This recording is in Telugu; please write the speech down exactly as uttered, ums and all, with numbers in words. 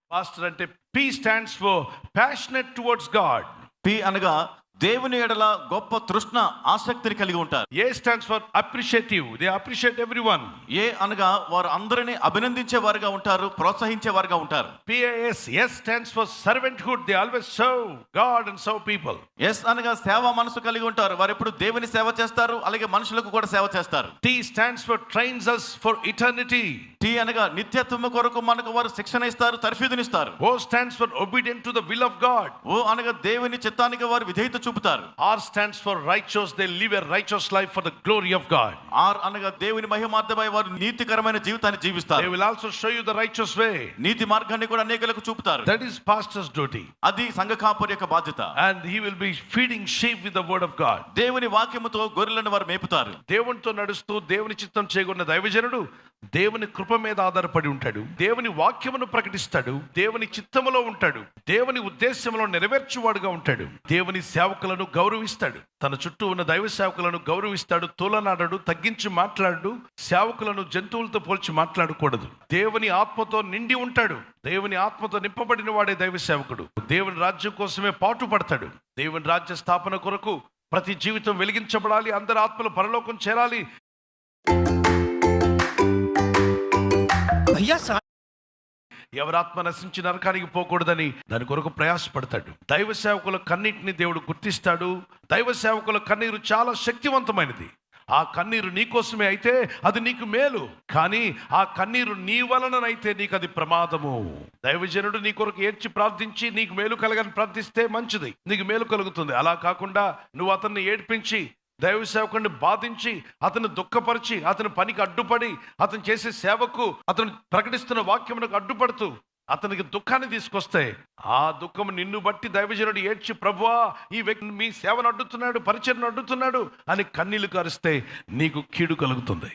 పాస్టర్ అంటే P stands for passionate towards God. P అనగా దేవుని ఎడల గొప్ప తృష్ణ ఆసక్తిని కలిగి ఉంటారు. A stands for appreciative. They appreciate everyone. ఏ అనగా వారు అందరినీ అభినందించే వారుగా ఉంటారు, ప్రోత్సహించే వారుగా ఉంటారు. P A S. S stands for servanthood. They always serve God and serve people. S అనగా సేవ మనసు కలిగి ఉంటారు. వారు ఎప్పుడు దేవుని సేవ చేస్తారు, అలాగే మనుషులకు కూడా సేవ చేస్తారు. T stands for trains us for eternity. T అనగా నిత్యత్వము కొరకు మనకు వారు శిక్షణ ఇస్తారు, తర్ఫీదునిస్తారు. O stands for obedient to the will of God. ఓ అనగా దేవుని చిత్తానికి వారు విధేయత చూపుతారు. R stands for righteous. They live a righteous life for the glory of God. R అనగా దేవుని మహిమార్థమై వారు నీతికరమైన జీవితాన్ని They జీవిస్తారు. will also show you the righteous way. నీతి మార్గాన్ని కూడా అనేకులకు చూపుతారు. That is pastor's duty. అది సంఘ కాపరి యొక్క బాధ్యత. And he will be feeding sheep with the word of God. దేవుని వాక్యముతో గొర్రెలను వారు మేపుతారు. దేవునితో నడుస్తూ దేవుని చిత్తం చేయగొన్న దైవజనుడు దేవుని కృప మీద ఆధారపడి ఉంటాడు. దేవుని వాక్యమును ప్రకటిస్తాడు. దేవుని చిత్తములో ఉంటాడు. దేవుని ఉద్దేశంలో నెరవేర్చువాడుగా ఉంటాడు. దేవుని సేవకులను గౌరవిస్తాడు. తన చుట్టూ ఉన్న దైవ సేవకులను గౌరవిస్తాడు. తూలనాడడు, తగ్గించి మాట్లాడు. సేవకులను జంతువులతో పోల్చి మాట్లాడకూడదు. దేవుని ఆత్మతో నిండి ఉంటాడు. దేవుని ఆత్మతో నింపబడిన వాడే దైవ సేవకుడు. దేవుని రాజ్యం కోసమే పాటు పడతాడు. దేవుని రాజ్య స్థాపన కొరకు ప్రతి జీవితం వెలిగించబడాలి. అందరి ఆత్మలు పరలోకం చేరాలి. भैया सा ఎవరాత్మ నశించి నరకానికి పోకూడదని దాని కొరకు ప్రయాసపడతాడు. దైవ సేవకుల కన్నీటిని దేవుడు గుర్తిస్తాడు. దైవ సేవకుల కన్నీరు చాలా శక్తివంతమైనది. ఆ కన్నీరు నీ కోసమే అయితే అది నీకు మేలు, కానీ ఆ కన్నీరు నీ వలననైతే నీకు అది ప్రమాదము. దైవజనుడు నీ కొరకు ఏడ్చి ప్రార్థించి నీకు మేలు కలగని ప్రార్థిస్తే మంచిది, నీకు మేలు కలుగుతుంది. అలా కాకుండా నువ్వు అతన్ని ఏడ్పించి దైవ సేవకుడిని బాధించి అతను దుఃఖపరిచి అతని పనికి అడ్డుపడి అతను చేసే సేవకు అతను ప్రకటిస్తున్న వాక్యమునకు అడ్డుపడుతూ అతనికి దుఃఖాన్ని తీసుకొస్తే ఆ దుఃఖం నిన్ను బట్టి దైవజనుడు ఏడ్చి ప్రభువా ఈ వ్యక్తి మీ సేవను అడ్డుతున్నాడు, పరిచయను అడ్డుతున్నాడు అని కన్నీళ్లు కారిస్తే నీకు కీడు కలుగుతుంది.